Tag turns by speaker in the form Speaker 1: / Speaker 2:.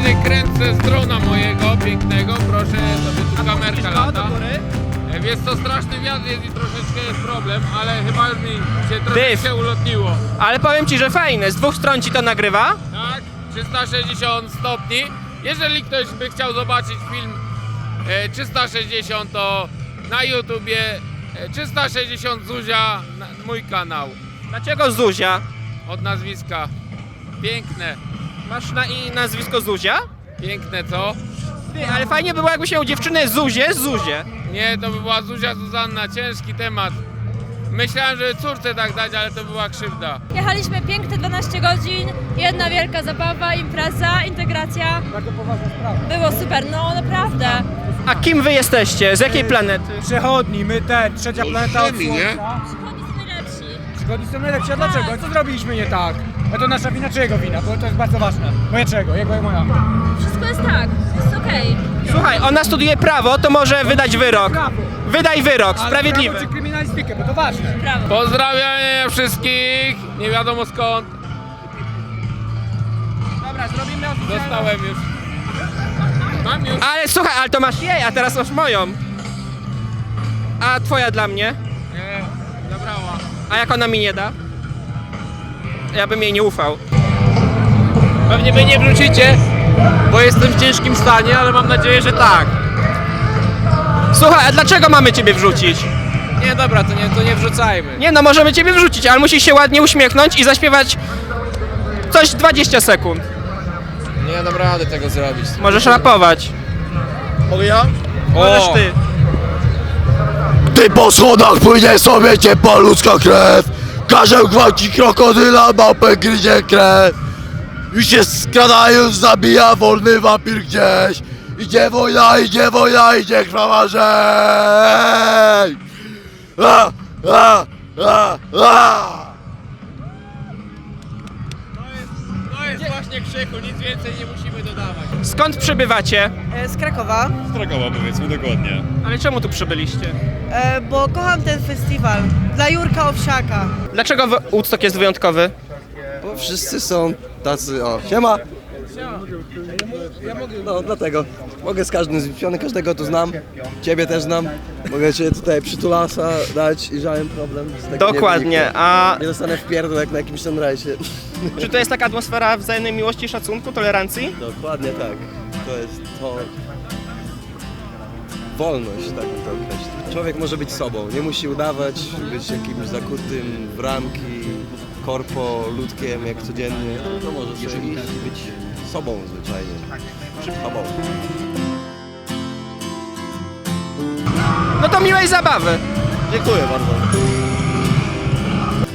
Speaker 1: razie kręcę z drona mojego pięknego, proszę, sobie tu kamerka lata. Wiesz co, straszny wiatr jest i troszeczkę jest problem, ale chyba już mi się troszeczkę ulotniło.
Speaker 2: Ale powiem ci, że fajne, z dwóch stron ci to nagrywa.
Speaker 1: Tak, 360 stopni. Jeżeli ktoś by chciał zobaczyć film 360, to na YouTubie 360 Zuzia, mój kanał.
Speaker 2: Dlaczego Zuzia?
Speaker 1: Od nazwiska. Piękne.
Speaker 2: Masz nazwisko Zuzia?
Speaker 1: Piękne, co?
Speaker 2: Ty, ale fajnie było, jakby miał dziewczynę Zuzię.
Speaker 1: Nie, to by była Zuzia Zuzanna, ciężki temat. Myślałem, żeby córce tak dać, ale to była krzywda.
Speaker 3: Jechaliśmy piękne 12 godzin, jedna wielka zabawa, impreza, integracja.
Speaker 4: Bardzo poważna sprawa.
Speaker 3: Było super, no naprawdę.
Speaker 2: A kim wy jesteście? Z jakiej planety?
Speaker 4: Przechodni, my trzecia planeta od
Speaker 1: Ziemi, nie?
Speaker 4: Słońca.
Speaker 3: Przychodni są najlepsi.
Speaker 4: Przychodni są najlepsi, a dlaczego? Co zrobiliśmy nie tak? A to nasza wina, czyjego wina? Bo to jest bardzo ważne. Moja czego? Jego i moja.
Speaker 3: Wszystko jest tak, jest okej.
Speaker 2: Słuchaj, ona studiuje prawo, to może wydać wyrok.
Speaker 4: Prawo.
Speaker 2: Wydaj wyrok,
Speaker 4: Ale
Speaker 2: sprawiedliwy.
Speaker 4: prawo czy kryminalistykę, bo to ważne.
Speaker 3: Brawo.
Speaker 1: Pozdrawiam wszystkich, nie wiadomo skąd.
Speaker 2: Dobra, zrobimy
Speaker 1: Dostałem już. Mam już.
Speaker 2: Ale słuchaj, ale to masz jej, a teraz masz moją. A twoja dla mnie?
Speaker 1: Nie, zabrała.
Speaker 2: A jak ona mi nie da? Ja bym jej nie ufał.
Speaker 5: Pewnie wy nie wrócicie, bo jestem w ciężkim stanie, ale mam nadzieję, że tak.
Speaker 2: Słuchaj, a dlaczego mamy ciebie wrzucić?
Speaker 5: Nie, dobra, to nie wrzucajmy.
Speaker 2: Nie no, możemy ciebie wrzucić, ale musisz się ładnie uśmiechnąć i zaśpiewać coś 20 sekund.
Speaker 5: Nie dam rady tego zrobić.
Speaker 2: Możesz rapować.
Speaker 5: Mogę ja?
Speaker 2: Możesz ty.
Speaker 6: Gdy po schodach płynie sobie ciepła ludzka krew, karzeł gwałci krokodyla, małpę gryzie krew. Już się skradając zabija wolny wampir gdzieś. Idzie wojna, idzie krwawa rzeź.
Speaker 5: To jest właśnie Krzyku, nic więcej nie musimy dodawać.
Speaker 2: Skąd przybywacie?
Speaker 7: Z Krakowa,
Speaker 8: Z Krakowa powiedzmy dokładnie.
Speaker 2: Ale czemu tu przybyliście?
Speaker 7: bo kocham ten festiwal. Dla Jurka Owsiaka.
Speaker 2: Dlaczego Woodstock jest wyjątkowy?
Speaker 9: Bo wszyscy są tacy, o, siema! No, dlatego. Mogę z każdym zliczony, każdego tu znam. Ciebie też znam. Mogę cię tutaj przytulasa dać i żaden problem. z tego
Speaker 2: Dokładnie,
Speaker 9: nie wynika.
Speaker 2: a
Speaker 9: Nie dostanę w pierdol jak na jakimś sunrise.
Speaker 2: czy to jest taka atmosfera wzajemnej miłości, szacunku, tolerancji?
Speaker 9: Dokładnie tak. To jest to... Wolność, tak bym to określił. Człowiek może być sobą, nie musi udawać, być jakimś zakutym w ramki, korpo, ludkiem jak codziennie. To może sobie iść i być sobą zwyczajnie. Sobą.
Speaker 2: No to miłej zabawy.
Speaker 9: Dziękuję bardzo.